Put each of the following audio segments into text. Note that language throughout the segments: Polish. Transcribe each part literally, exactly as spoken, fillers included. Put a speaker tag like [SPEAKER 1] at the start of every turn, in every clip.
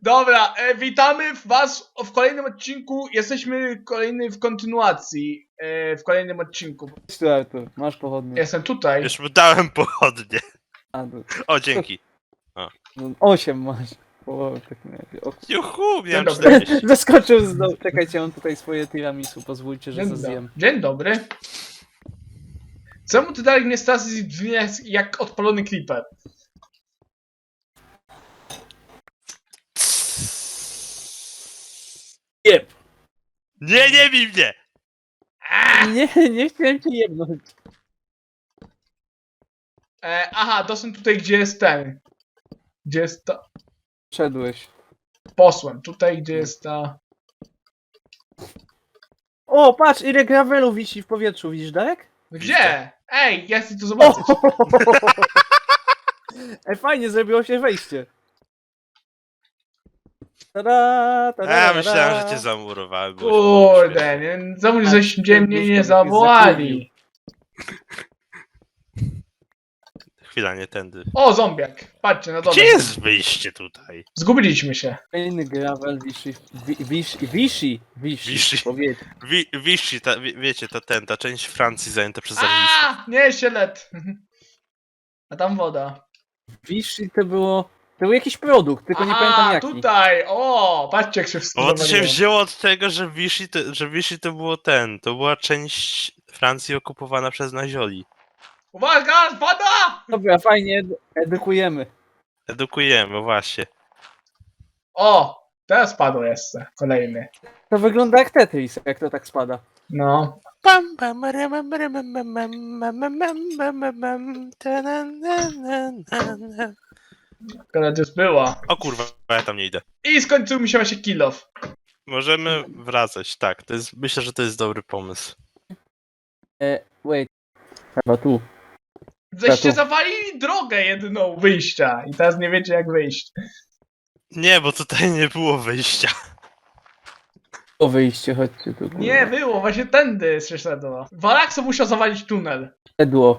[SPEAKER 1] Dobra, e, witamy was w kolejnym odcinku. Jesteśmy kolejny w kontynuacji. E, w kolejnym odcinku.
[SPEAKER 2] Cześć tu, Artur, masz pochodnie.
[SPEAKER 1] Jestem tutaj.
[SPEAKER 3] Już mu dałem pochodnie.
[SPEAKER 2] A, to,
[SPEAKER 3] O, dzięki.
[SPEAKER 2] no, osiem masz. O, tak nie, o,
[SPEAKER 3] Juhu,
[SPEAKER 1] Dzień
[SPEAKER 3] miałem
[SPEAKER 1] dobry.
[SPEAKER 3] czterdzieści.
[SPEAKER 2] Zaskoczył z dołu. Czekajcie, mam tutaj swoje tiramisu, pozwólcie, że
[SPEAKER 1] Dzień,
[SPEAKER 2] to
[SPEAKER 1] do...
[SPEAKER 2] zjem.
[SPEAKER 1] Dzień dobry. Czemu ty dalej mnie Stasi brzmi jak, jak odpalony creeper?
[SPEAKER 2] Jeb!
[SPEAKER 3] Nie, nie bij mnie!
[SPEAKER 2] Nie, nie chciałem cię jebnąć.
[SPEAKER 1] E, aha, doszedłem tutaj, gdzie jest ten. Gdzie jest ta...
[SPEAKER 2] Szedłeś.
[SPEAKER 1] Posłem. Tutaj, gdzie jest ta...
[SPEAKER 2] O, patrz, ile gravelu wisi w powietrzu, widzisz, Darek?
[SPEAKER 1] Gdzie? Ej, ja chcę to zobaczyć.
[SPEAKER 2] Ej, fajnie, zrobiło się wejście. Tada, tada,
[SPEAKER 3] A,
[SPEAKER 2] tada.
[SPEAKER 3] myślałem, że cię zamurowałem. było śmieszne.
[SPEAKER 1] Kurde, nie, zamóż, żeście mnie nie
[SPEAKER 2] Duszko
[SPEAKER 1] zawołali.
[SPEAKER 3] Chwila, nie tędy.
[SPEAKER 1] O, zombiak. Patrzcie, na dole.
[SPEAKER 3] Gdzie jest wyjście tutaj?
[SPEAKER 1] Zgubiliśmy się.
[SPEAKER 2] Fajny gravel wisi, wi- wisi, wisi, wisi,
[SPEAKER 3] Wisi.
[SPEAKER 2] w powietrzu.
[SPEAKER 3] Wi Vichy, ta, wie, wiecie, to ten, ta część Francji zajęta przez zarwistów.
[SPEAKER 1] A, nie, sielet. A tam woda.
[SPEAKER 2] Wisi to było, to był jakiś produkt, tylko nie
[SPEAKER 1] Aha,
[SPEAKER 2] pamiętam jaki.
[SPEAKER 1] tutaj, o, patrzcie jak się wszystko
[SPEAKER 3] Bo to się
[SPEAKER 1] zawaliło.
[SPEAKER 3] wzięło od tego, że Vichy to, że Vichy to było ten, to była część Francji okupowana przez Nazioli.
[SPEAKER 1] Uwaga, woda!
[SPEAKER 2] Dobra, fajnie, edu- edukujemy.
[SPEAKER 3] Edukujemy, właśnie.
[SPEAKER 1] O, teraz padło jeszcze, kolejny.
[SPEAKER 2] To wygląda jak Tetris, jak to tak spada.
[SPEAKER 1] No.
[SPEAKER 3] Pam, pam, ram, ram, ram, ram, ram, ram, ram, ram, ram, ram, ram, ta, na, na, na, na, na.
[SPEAKER 1] Akurat już była.
[SPEAKER 3] O kurwa, ja tam nie idę.
[SPEAKER 1] I skończył mi się właśnie kill off.
[SPEAKER 3] Możemy wracać, tak. To jest, myślę, że to jest dobry pomysł.
[SPEAKER 2] E, wait. Chyba tu.
[SPEAKER 1] Żeście
[SPEAKER 2] Tatu.
[SPEAKER 1] zawalili drogę jedyną wyjścia i teraz nie wiecie jak wyjść.
[SPEAKER 3] Nie, bo tutaj nie było wyjścia.
[SPEAKER 2] O wyjście, chodźcie tu. kurwa.
[SPEAKER 1] Nie, było, właśnie tędy się szedło. Walakso musiał zawalić tunel.
[SPEAKER 2] Edło.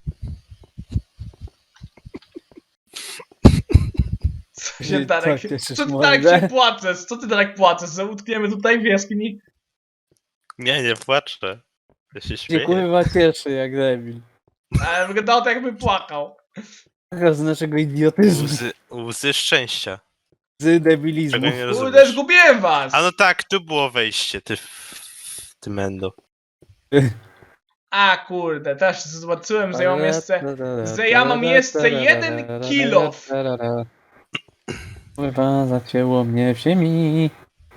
[SPEAKER 1] Co się
[SPEAKER 2] Ty
[SPEAKER 1] Darek,
[SPEAKER 2] tak cieszysz
[SPEAKER 1] co ty
[SPEAKER 2] mordę?
[SPEAKER 1] Darek się płaczesz? Co ty Darek płaczesz? Że utkniemy tutaj w jaskini?
[SPEAKER 3] Nie, nie płaczę. Ja się
[SPEAKER 2] Się
[SPEAKER 3] śmieję.
[SPEAKER 2] kurwa cieszy jak debil.
[SPEAKER 1] Ale wyglądało to jakby płakał.
[SPEAKER 2] Taka z naszego idiotyzmu,
[SPEAKER 3] Łzy, łzy szczęścia.
[SPEAKER 2] z debilizmu.
[SPEAKER 3] Czego nie
[SPEAKER 1] Kurde,
[SPEAKER 3] rozumiesz.
[SPEAKER 1] zgubiłem was!
[SPEAKER 3] A no tak, tu było wejście, ty... Ty mendo.
[SPEAKER 1] A kurde, też zobaczyłem, że ja mam jeszcze... że ja mam jeszcze jeden kill off.
[SPEAKER 2] Kurwa, zacięło mnie w ziemi.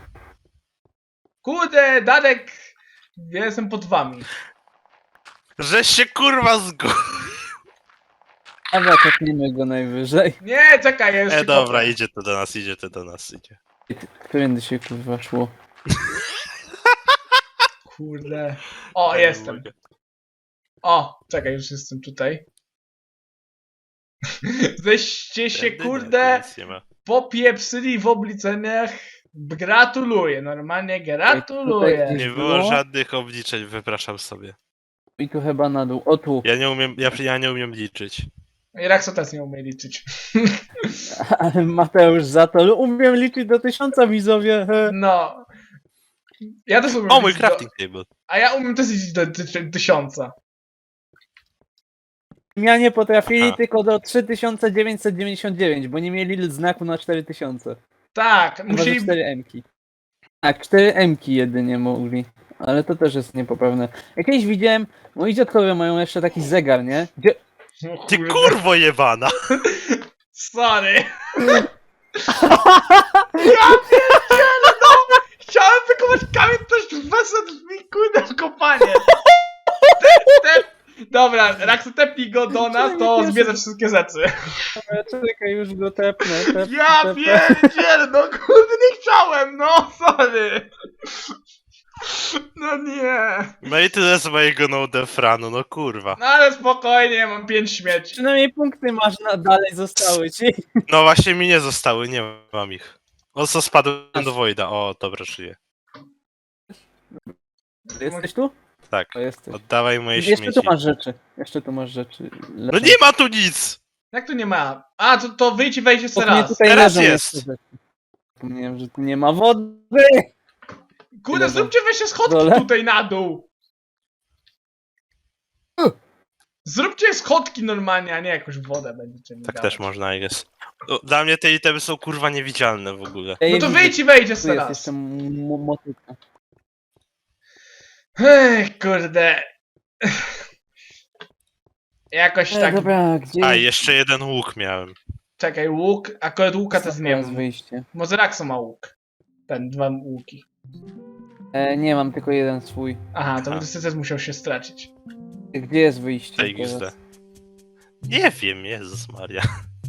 [SPEAKER 1] Kurde, Darek... Ja jestem pod wami.
[SPEAKER 3] Że się kurwa zgu...
[SPEAKER 2] Dobra, tepnijmy go najwyżej.
[SPEAKER 1] Nie, czekaj, ja już
[SPEAKER 3] E,
[SPEAKER 1] się
[SPEAKER 3] dobra,
[SPEAKER 1] kopię.
[SPEAKER 3] idzie to do nas, idzie to do nas, idzie.
[SPEAKER 2] Którędy się kurwa szło?
[SPEAKER 1] Kurde. O,
[SPEAKER 3] Ja nie
[SPEAKER 1] jestem.
[SPEAKER 3] mogę.
[SPEAKER 1] O, czekaj, już jestem tutaj. Żeście się,
[SPEAKER 3] Tędy nie,
[SPEAKER 1] kurde,
[SPEAKER 3] tu nic nie ma.
[SPEAKER 1] popieprzyli w obliczeniach. Gratuluję, normalnie gratuluję.
[SPEAKER 2] Tutaj-
[SPEAKER 3] Nie było
[SPEAKER 2] było?
[SPEAKER 3] żadnych obliczeń, wypraszam sobie.
[SPEAKER 2] I tu chyba na dół. O tu.
[SPEAKER 3] Ja nie umiem, ja, ja nie umiem liczyć.
[SPEAKER 1] I Rakso też nie umie liczyć.
[SPEAKER 2] Ale Mateusz za to. Umiem liczyć do tysiąca, widzowie. he.
[SPEAKER 1] No. Ja też umiem
[SPEAKER 3] O, mój
[SPEAKER 1] liczyć do,
[SPEAKER 3] crafting table.
[SPEAKER 1] A ja umiem też liczyć do ty, tysiąca.
[SPEAKER 2] Ja nie potrafili
[SPEAKER 3] Aha.
[SPEAKER 2] tylko do trzy tysiące dziewięćset dziewięćdziesiąt dziewięć, bo nie mieli znaku na cztery tysiące.
[SPEAKER 1] Tak,
[SPEAKER 2] Chyba, że
[SPEAKER 1] musieli...
[SPEAKER 2] cztery emki. Tak, cztery emki jedynie mogli. Ale to też jest niepoprawne. Jak kiedyś widziałem, moi dziadkowie mają jeszcze taki zegar, nie? Gdzie...
[SPEAKER 1] O
[SPEAKER 3] Ty
[SPEAKER 1] kurde.
[SPEAKER 3] kurwo jebana!
[SPEAKER 1] Sorry. Ja pierdzielę, no! Chciałem wykopać kamień, też wesel mi kurde w kopanie. Te, te... Dobra, Rakso tepnij go do nas, to zbierze wszystkie rzeczy.
[SPEAKER 2] Czekaj, już go tepnę. tepnę
[SPEAKER 1] Ja
[SPEAKER 2] tepnę.
[SPEAKER 1] pierdzielę, no kurde nie chciałem, no sorry. No nie.
[SPEAKER 3] No i tyle z mojego no defranu, no kurwa.
[SPEAKER 1] No ale spokojnie, mam pięć śmieci.
[SPEAKER 2] Przynajmniej punkty masz na dalej zostały ci.
[SPEAKER 3] No właśnie mi nie zostały, nie mam ich. O co spadłem do Wojda, o dobra, żyję.
[SPEAKER 2] Jesteś tu?
[SPEAKER 3] Tak,
[SPEAKER 2] O, jesteś.
[SPEAKER 3] oddawaj moje
[SPEAKER 2] Jeszcze
[SPEAKER 3] śmieci.
[SPEAKER 2] tu masz rzeczy. Jeszcze tu masz rzeczy.
[SPEAKER 3] No nie ma tu nic!
[SPEAKER 1] Jak tu nie ma? A, to, to wyjdź i wejdź jeszcze
[SPEAKER 2] Bo mnie
[SPEAKER 1] raz.
[SPEAKER 2] tutaj
[SPEAKER 3] Teraz
[SPEAKER 2] leżą
[SPEAKER 3] jest.
[SPEAKER 2] jeszcze rzeczy. Zapomniałem, że tu nie ma wody!
[SPEAKER 1] Kurde,
[SPEAKER 2] Ile
[SPEAKER 1] zróbcie weźcie schodki
[SPEAKER 2] dole?
[SPEAKER 1] tutaj na dół.
[SPEAKER 2] Uh.
[SPEAKER 1] Zróbcie schodki normalnie, a nie jakąś wodę będziecie mi
[SPEAKER 4] Tak
[SPEAKER 1] dawać.
[SPEAKER 4] też można, jest. Dla mnie te itemy są kurwa niewidzialne w ogóle.
[SPEAKER 2] Ja
[SPEAKER 1] No
[SPEAKER 2] je
[SPEAKER 1] to
[SPEAKER 2] widzę,
[SPEAKER 1] wyjdź i wejdzie
[SPEAKER 2] Tu jest
[SPEAKER 1] teraz.
[SPEAKER 2] jeszcze m- m- motyka.
[SPEAKER 1] Ech, kurde. Jakoś
[SPEAKER 2] E,
[SPEAKER 1] tak.
[SPEAKER 2] dobra, gdzie
[SPEAKER 4] A,
[SPEAKER 2] jest,
[SPEAKER 4] jeszcze jeden łuk miałem.
[SPEAKER 1] Czekaj, łuk. Akurat łuka też nie
[SPEAKER 2] teraz
[SPEAKER 1] mam.
[SPEAKER 2] wyjście?
[SPEAKER 1] Może Raxo ma łuk. Ten, dwa łuki.
[SPEAKER 2] E, nie, mam tylko jeden swój.
[SPEAKER 1] Aha, to
[SPEAKER 4] Aha.
[SPEAKER 1] będę też musiał się stracić.
[SPEAKER 2] Gdzie jest wyjście
[SPEAKER 4] T X D.
[SPEAKER 2] teraz?
[SPEAKER 4] Nie wiem, Jezus Maria.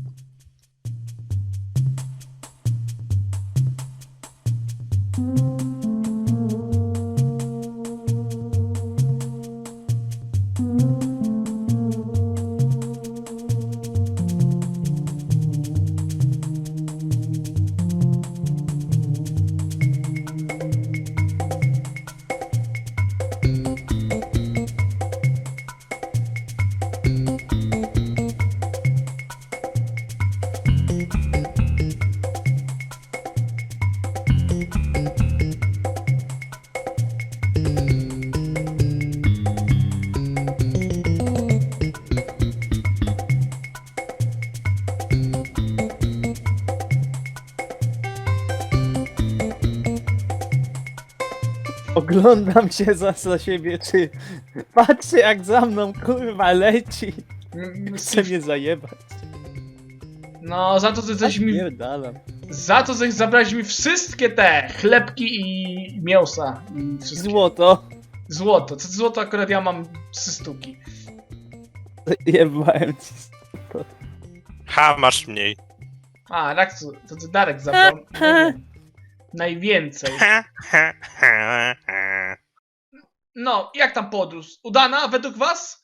[SPEAKER 2] Oglądam się za, za siebie, czy... Patrzcie jak za mną, kurwa, leci.
[SPEAKER 1] Mm,
[SPEAKER 2] Chce mnie zajebać.
[SPEAKER 1] No, za to, że coś mi.
[SPEAKER 2] Pierdalam.
[SPEAKER 1] Za to, że zabrałeś mi wszystkie te chlebki i mięsa. I wszystkie.
[SPEAKER 2] Złoto.
[SPEAKER 1] Złoto. Co złoto akurat ja mam trzy sztuki.
[SPEAKER 2] Jebałem ci.
[SPEAKER 4] Ha, masz mniej.
[SPEAKER 1] A, Raxu, to ty Darek zabrał. Najwię- Najwięcej.
[SPEAKER 4] Ha, ha, ha, ha.
[SPEAKER 1] No, jak tam podróż? Udana według was?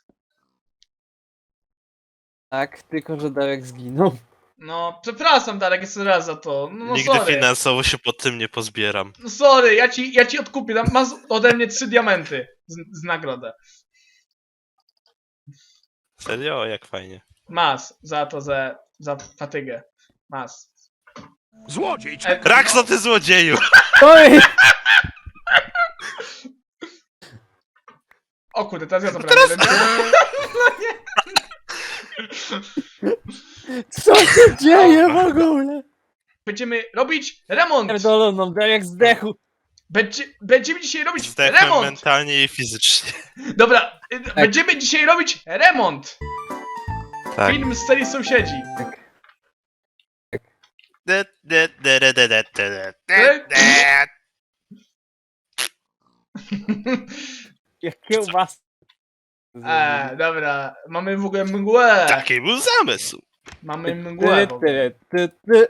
[SPEAKER 2] Tak, tylko że Darek zginął.
[SPEAKER 1] No, przepraszam Darek jeszcze raz za to. No, no
[SPEAKER 4] Nigdy
[SPEAKER 1] sorry.
[SPEAKER 4] finansowo się pod tym nie pozbieram.
[SPEAKER 1] No sorry, ja ci, ja ci odkupię. Tam masz ode mnie trzy diamenty z, z nagrodę.
[SPEAKER 4] Serio? Jak fajnie.
[SPEAKER 1] Masz za to, za, za fatygę. Masz.
[SPEAKER 5] Złodziej!
[SPEAKER 1] E,
[SPEAKER 4] Raxo, ty złodzieju!
[SPEAKER 2] Oj!
[SPEAKER 1] O kurde, teraz ja zabrałem jeden diament.
[SPEAKER 2] Co się dzieje w ogóle?
[SPEAKER 1] Będziemy robić remont!
[SPEAKER 2] Pierdoloną, Darek zdechł.
[SPEAKER 1] Będzie, będziemy dzisiaj robić
[SPEAKER 4] Zdechłem
[SPEAKER 1] remont!
[SPEAKER 4] mentalnie i fizycznie.
[SPEAKER 1] Dobra, y, będziemy dzisiaj robić remont!
[SPEAKER 4] Tak.
[SPEAKER 1] Film z serii Sąsiedzi.
[SPEAKER 4] De- de- de- de- de- de- de- de- de-
[SPEAKER 2] Jak kiełbas.
[SPEAKER 1] E, dobra, mamy w ogóle mgłę.
[SPEAKER 4] Taki był zamysł.
[SPEAKER 1] Mamy mgłę.
[SPEAKER 2] Ty,
[SPEAKER 1] w ogóle.
[SPEAKER 2] ty, ty, ty.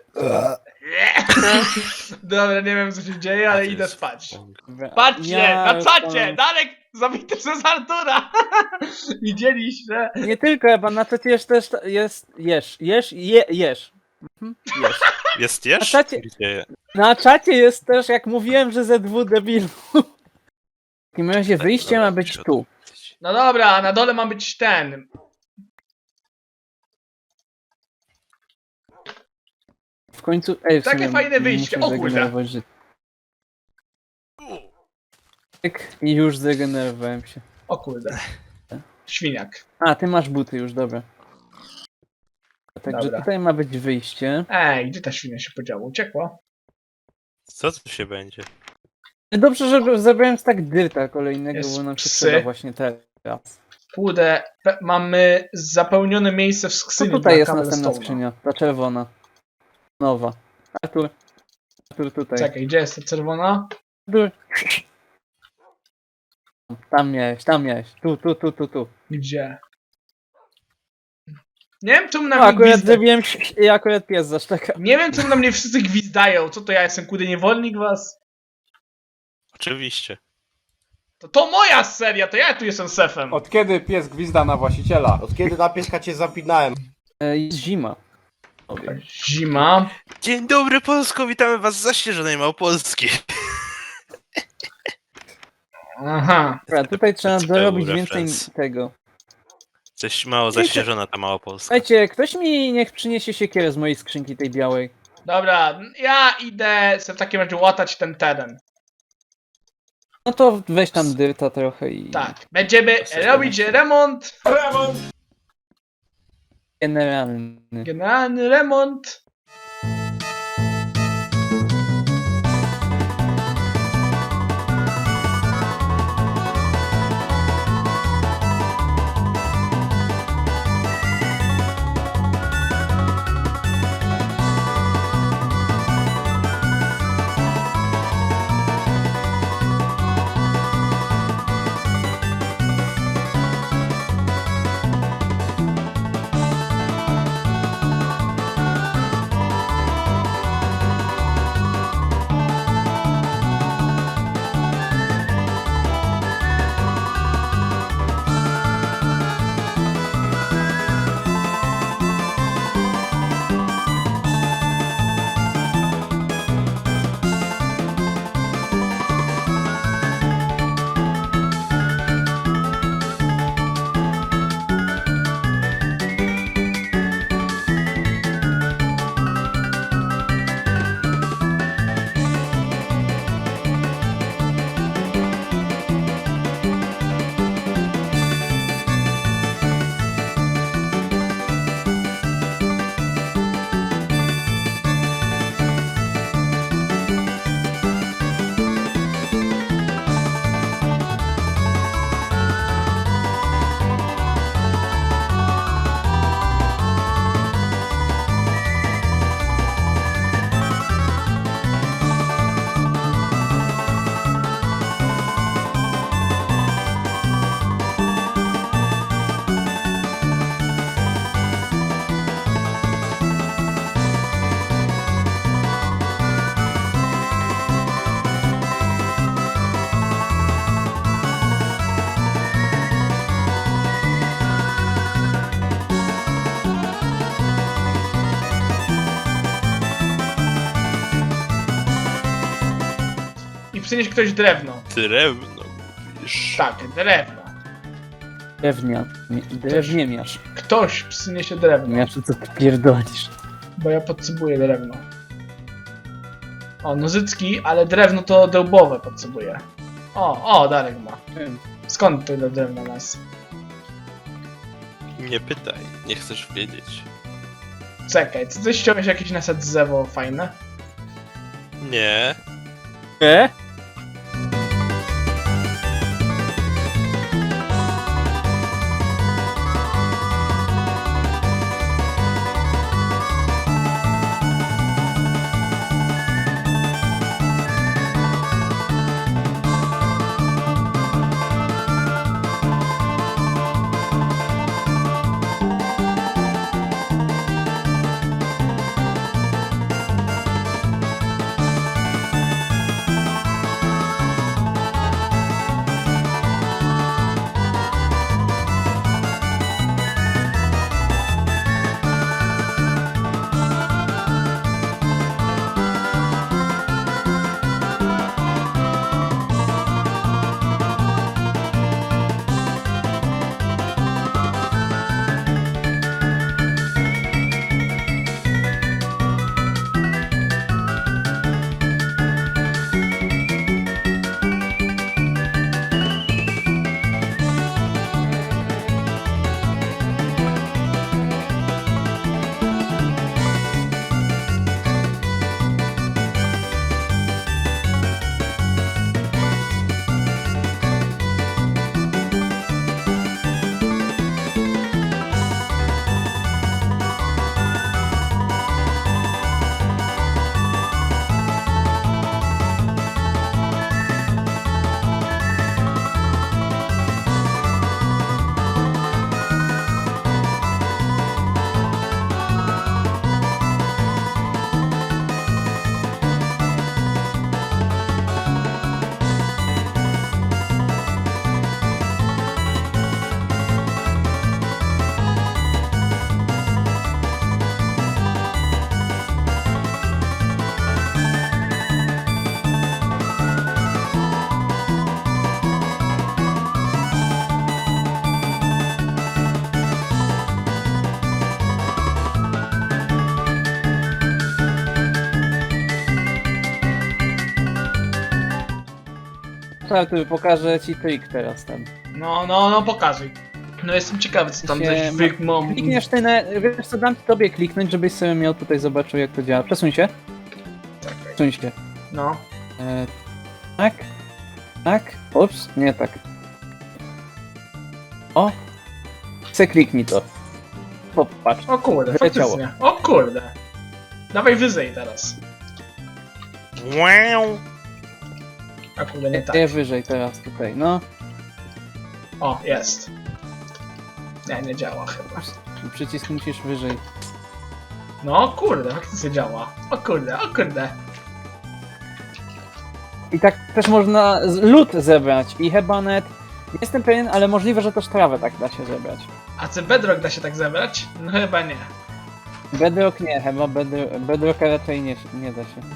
[SPEAKER 1] Dobra, nie wiem co się dzieje, ale
[SPEAKER 4] A to
[SPEAKER 1] idę
[SPEAKER 4] jest-
[SPEAKER 1] spać.
[SPEAKER 2] Dobra.
[SPEAKER 1] Patrzcie,
[SPEAKER 2] Ja
[SPEAKER 1] na
[SPEAKER 2] już
[SPEAKER 1] czacie!
[SPEAKER 2] mam-
[SPEAKER 1] Darek zabity przez Artura! Widzieliście?
[SPEAKER 2] Nie tylko, chyba na czacie jest też jest jesz, jesz, je, jesz. Mhm, jesz.
[SPEAKER 4] Jest jesz?
[SPEAKER 2] A czacie-
[SPEAKER 4] Gdzie?
[SPEAKER 2] Na czacie jest też, jak mówiłem, że ze dwu debilu. W takim razie wyjście
[SPEAKER 4] Dobra,
[SPEAKER 2] ma być
[SPEAKER 4] muszę
[SPEAKER 2] tu.
[SPEAKER 1] No dobra, a na dole ma być ten.
[SPEAKER 2] W końcu. Ej, w
[SPEAKER 1] Takie
[SPEAKER 2] sumie
[SPEAKER 1] fajne wyjście,
[SPEAKER 2] muszę
[SPEAKER 1] o kurde.
[SPEAKER 2] zregenerować życie. Tyk, i już zregenerowałem się.
[SPEAKER 1] O kurde. Świniak.
[SPEAKER 2] A, ty masz buty już, dobra. Także
[SPEAKER 1] Dobra.
[SPEAKER 2] tutaj ma być wyjście.
[SPEAKER 1] Ej, gdzie ta świnia się podziała? Uciekła?
[SPEAKER 4] Co tu się będzie?
[SPEAKER 2] Dobrze, że zabrałem tak dyrta kolejnego,
[SPEAKER 1] Jest
[SPEAKER 2] bo nam się
[SPEAKER 1] psy.
[SPEAKER 2] przyda właśnie teraz.
[SPEAKER 1] Kurde, pe- mamy zapełnione miejsce w
[SPEAKER 2] Co
[SPEAKER 1] skrzyni
[SPEAKER 2] tutaj
[SPEAKER 1] dla
[SPEAKER 2] jest następna
[SPEAKER 1] Cobblestone'a.
[SPEAKER 2] skrzynia? Ta czerwona. Nowa. Artur. Artur tutaj.
[SPEAKER 1] Czekaj, gdzie jest ta czerwona?
[SPEAKER 2] Artur. Tam miałeś, tam miałeś. Tu, tu, tu, tu, tu.
[SPEAKER 1] Gdzie? Nie wiem, czemu na
[SPEAKER 2] No,
[SPEAKER 1] mnie
[SPEAKER 2] akurat
[SPEAKER 1] gwizda...
[SPEAKER 2] zrobiłem i akurat pies zaszczekał.
[SPEAKER 1] Nie wiem, czemu na mnie wszyscy gwizdają. Co to ja jestem, kurde, niewolnik was?
[SPEAKER 4] Oczywiście.
[SPEAKER 1] To, to moja seria, to ja tu jestem sefem.
[SPEAKER 5] Od kiedy pies gwizda na właściciela?
[SPEAKER 6] Od kiedy na pieska cię zapinałem?
[SPEAKER 2] E, Jest zima. Powiem.
[SPEAKER 1] Zima.
[SPEAKER 4] Dzień dobry Polsko, witamy was z zaśnieżonej Małopolski.
[SPEAKER 1] Aha.
[SPEAKER 2] Dobra, tutaj trzeba
[SPEAKER 4] Ciekawy
[SPEAKER 2] dorobić
[SPEAKER 4] reference.
[SPEAKER 2] więcej tego.
[SPEAKER 4] Coś mało zaśnieżona ta Małopolska.
[SPEAKER 2] Słuchajcie, ktoś mi niech przyniesie siekierę z mojej skrzynki tej białej.
[SPEAKER 1] Dobra, ja idę sobie w takim razie łatać ten teren.
[SPEAKER 2] No to weź tam dyrta trochę i...
[SPEAKER 1] Tak, będziemy robić remont,
[SPEAKER 2] Generalny.
[SPEAKER 1] generalny remont. I przynieś ktoś drewno.
[SPEAKER 4] Drewno mówisz.
[SPEAKER 1] Tak, drewno.
[SPEAKER 2] Drewnia. Drewniemiarz.
[SPEAKER 1] Ktoś przyniesie drewno,
[SPEAKER 2] Miaszu, co ty pierdolisz?
[SPEAKER 1] bo ja potrzebuję drewno. O, nożycki, ale drewno to dębowe potrzebuję. O, o, Darek ma. Skąd tyle drewna nas?
[SPEAKER 4] Nie pytaj, nie chcesz wiedzieć.
[SPEAKER 1] Czekaj, czy ty ściąłeś jakieś nasad drzewo fajne?
[SPEAKER 4] Nie.
[SPEAKER 2] E? Artur, pokażę ci trik teraz tam.
[SPEAKER 1] No, no, no, pokazuj. No jestem ciekawy, co tam
[SPEAKER 2] Się
[SPEAKER 1] coś
[SPEAKER 2] ma-
[SPEAKER 1] wy... mam...
[SPEAKER 2] Klikniesz ty na... Wiesz co, dam tobie kliknąć, żebyś sobie miał tutaj zobaczył jak to działa. Przesuń się.
[SPEAKER 1] Czekaj.
[SPEAKER 2] Przesuń się.
[SPEAKER 1] No.
[SPEAKER 2] E, tak. Tak. Ups, nie tak. O! Se kliknij to. Popatrz.
[SPEAKER 1] O kurde,
[SPEAKER 2] Wyleciało.
[SPEAKER 1] faktycznie. O kurde. Dawaj wyżej teraz.
[SPEAKER 4] Wow.
[SPEAKER 1] A kurde, nie tak.
[SPEAKER 2] Nie wyżej teraz tutaj, no.
[SPEAKER 1] O, jest. Nie, nie działa chyba.
[SPEAKER 2] Przycisk musisz wyżej.
[SPEAKER 1] No, kurde, faktycznie działa. O kurde, o kurde.
[SPEAKER 2] I tak też można z- lód zebrać i chyba net, nie jestem pewien, ale możliwe, że też trawę tak da się zebrać.
[SPEAKER 1] A czy Bedrock da się tak zebrać? No chyba nie.
[SPEAKER 2] Bedrock nie, chyba bedro, Bedrocka raczej nie, nie da się.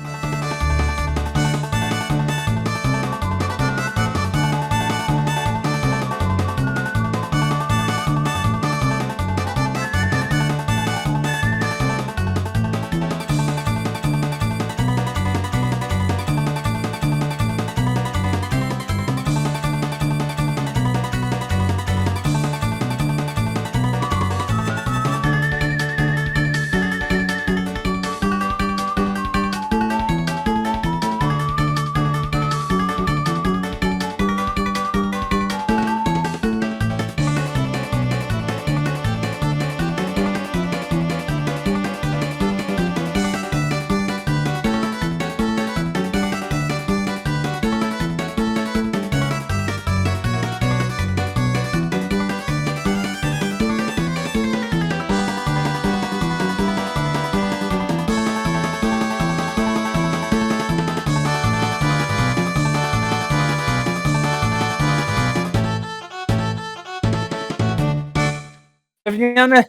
[SPEAKER 2] Drewniane,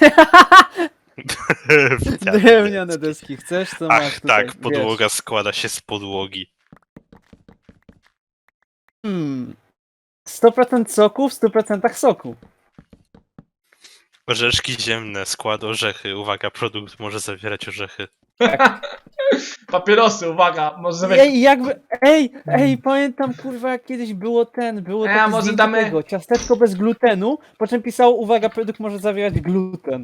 [SPEAKER 2] drewniane deski, chcesz? To masz
[SPEAKER 4] Ach
[SPEAKER 2] tutaj,
[SPEAKER 4] tak, podłoga składa się z podłogi.
[SPEAKER 2] Hmm. sto procent soku w stu procentach soku.
[SPEAKER 4] Orzeszki ziemne, skład orzechy. Uwaga, produkt może zawierać orzechy.
[SPEAKER 1] Papierosy, uwaga, może zawieźć.
[SPEAKER 2] Ej, jakby, ej, ej, pamiętam kurwa jak kiedyś było ten, było
[SPEAKER 1] A,
[SPEAKER 2] takie
[SPEAKER 1] może
[SPEAKER 2] zdjęcie
[SPEAKER 1] damy-
[SPEAKER 2] tego, ciasteczko bez glutenu, po czym pisało, uwaga, produkt może zawierać gluten.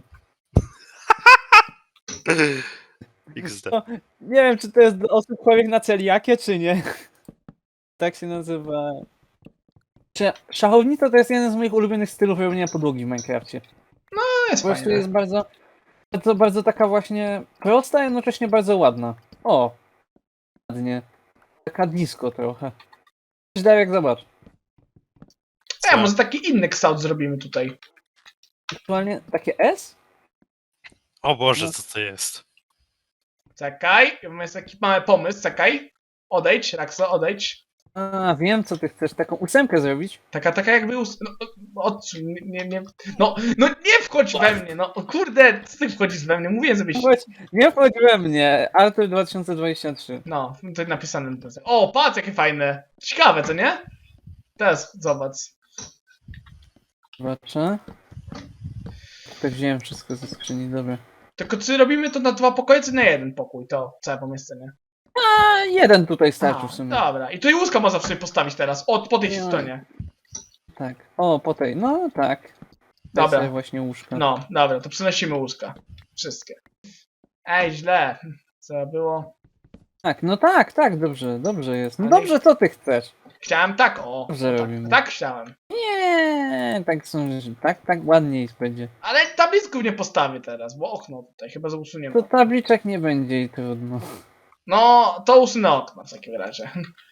[SPEAKER 4] iks de.
[SPEAKER 2] Nie wiem, czy to jest dla osób chorych na celiakię, czy nie. Tak się nazywa. Czy szachownica to jest jeden z moich ulubionych stylów robienia podłogi w Minecrafcie.
[SPEAKER 1] No jest
[SPEAKER 2] Po prostu
[SPEAKER 1] fajne.
[SPEAKER 2] jest bardzo, bardzo, bardzo taka właśnie prosta, a jednocześnie bardzo ładna. O! Ładnie. Taka disco trochę. Darek, zobacz.
[SPEAKER 1] E, może taki inny kształt zrobimy tutaj.
[SPEAKER 2] Aktualnie takie S?
[SPEAKER 4] O Boże,
[SPEAKER 2] No.
[SPEAKER 4] co to jest?
[SPEAKER 1] Czekaj, mamy taki mały pomysł, czekaj. Odejdź, Rakso, odejdź.
[SPEAKER 2] A, wiem co ty chcesz, taką ósemkę zrobić.
[SPEAKER 1] Taka, taka jakby... Us... No, no, odsuń, nie, nie, nie... No, no nie wchodź we mnie, no. O kurde, co ty wchodzisz we mnie? Mówiłem, żebyś...
[SPEAKER 2] Chodź, nie wchodź we mnie, Artur dwa tysiące dwudziesty trzeci.
[SPEAKER 1] No, to napisane. na tym. O, patrz, jakie fajne. Ciekawe, co nie? Teraz zobacz.
[SPEAKER 2] Zobaczę. Tak wziąłem wszystko ze skrzyni, dobra.
[SPEAKER 1] Tylko czy robimy to na dwa pokoje, czy na jeden pokój? To całe pomieszczenie.
[SPEAKER 2] A, jeden tutaj starczy
[SPEAKER 1] A,
[SPEAKER 2] w sumie.
[SPEAKER 1] dobra. I tu i łóżka można sobie postawić teraz. O, po tej
[SPEAKER 2] Nie.
[SPEAKER 1] stronie.
[SPEAKER 2] Tak. O, po tej, no tak.
[SPEAKER 1] Dobra.
[SPEAKER 2] Dobra. Sobie właśnie łóżka.
[SPEAKER 1] No, dobra, to przynosimy łóżka. Wszystkie. Ej, źle. Co było?
[SPEAKER 2] Tak, no tak, tak, dobrze, dobrze jest. No
[SPEAKER 1] Ale-
[SPEAKER 2] dobrze, co ty chcesz?
[SPEAKER 1] Chciałem tak, o.
[SPEAKER 2] Dobrze
[SPEAKER 1] tak,
[SPEAKER 2] robimy.
[SPEAKER 1] tak chciałem.
[SPEAKER 2] Nie, tak są, tak, tak ładniej będzie.
[SPEAKER 1] Ale tablicków nie postawię teraz, bo okno tutaj chyba że usuniemy.
[SPEAKER 2] To tabliczek nie będzie i trudno.
[SPEAKER 1] No, to usunę okno w takim razie.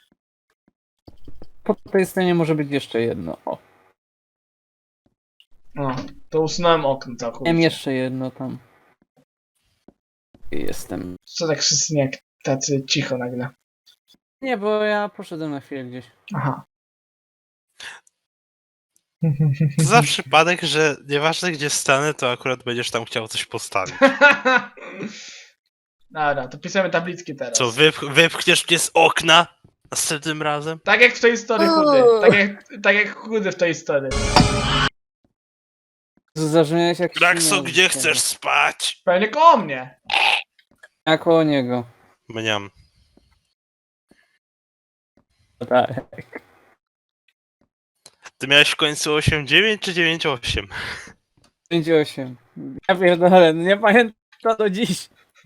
[SPEAKER 2] Po tej stronie może być jeszcze jedno. O,
[SPEAKER 1] No, to usunąłem okno
[SPEAKER 2] mam
[SPEAKER 1] całkowicie.
[SPEAKER 2] jeszcze jedno tam. Jestem.
[SPEAKER 1] Co tak wszyscy jak tacy cicho nagle.
[SPEAKER 2] Nie, bo ja poszedłem na chwilę gdzieś.
[SPEAKER 1] Aha.
[SPEAKER 4] To za przypadek, że nieważne gdzie stanę, to akurat będziesz tam chciał coś postawić.
[SPEAKER 1] Dobra, to pisamy tabliczki teraz.
[SPEAKER 4] Co, wyp wypchniesz mnie z okna następnym razem?
[SPEAKER 1] Tak jak w tej historii chudy. Tak jak, tak jak chudy w tej historii.
[SPEAKER 2] Zabrzmiałeś jak
[SPEAKER 4] Rakso,
[SPEAKER 2] świnia.
[SPEAKER 4] gdzie chcesz spać?
[SPEAKER 1] Pewnie koło mnie.
[SPEAKER 2] Ja koło niego.
[SPEAKER 4] Mniam.
[SPEAKER 2] Tak.
[SPEAKER 4] Ty miałeś w końcu osiem dziewięć czy dziewięć osiem?
[SPEAKER 2] pięć osiem. Ja pierdolę, nie pamiętam do dziś.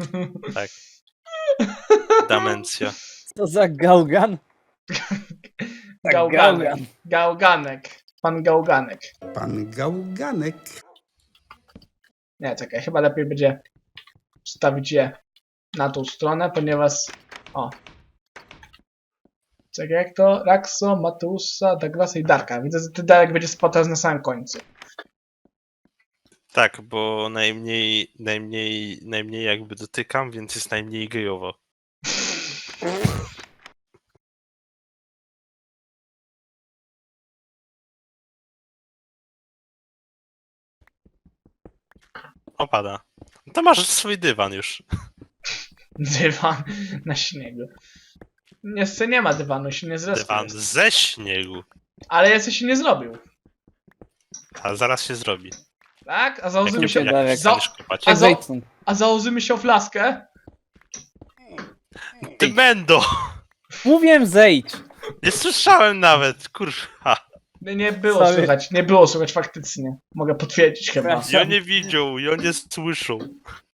[SPEAKER 4] Demencja.
[SPEAKER 2] Co za gałgan? Tak,
[SPEAKER 1] Gałganek. Gałganek. Pan Gałganek.
[SPEAKER 7] Pan Gałganek.
[SPEAKER 1] Nie, czekaj, chyba lepiej będzie wstawić je na tą stronę, ponieważ... O. Czekaj, jak to? Raxo, Matusa, Douglasa i Darka. Widzę, że ty Darek będzie spotał na samym końcu.
[SPEAKER 4] Tak, bo najmniej, najmniej, najmniej jakby dotykam, więc jest najmniej gejowo. Opada. To masz swój dywan już.
[SPEAKER 1] Dywan na śniegu. Jeszcze nie ma dywanu, się nie zresztą.
[SPEAKER 4] Dywan ze śniegu.
[SPEAKER 1] Ale jeszcze się nie zrobił.
[SPEAKER 4] A zaraz się zrobi.
[SPEAKER 1] Tak? A założymy
[SPEAKER 4] Jak,
[SPEAKER 1] się...
[SPEAKER 2] się
[SPEAKER 4] jak
[SPEAKER 2] Darek.
[SPEAKER 4] przestaniesz kopać.
[SPEAKER 1] A
[SPEAKER 2] Jak
[SPEAKER 1] za-
[SPEAKER 2] zejdź stąd.
[SPEAKER 1] A założymy się o flaskę?
[SPEAKER 4] Ty będą!
[SPEAKER 2] Mówiłem zejdź.
[SPEAKER 4] Nie słyszałem nawet, kurwa.
[SPEAKER 1] Nie, nie było
[SPEAKER 2] Sorry.
[SPEAKER 1] słychać, nie było słychać faktycznie. Mogę potwierdzić chyba.
[SPEAKER 2] Przepraszam.
[SPEAKER 4] Ja nie widział, ja nie słyszał.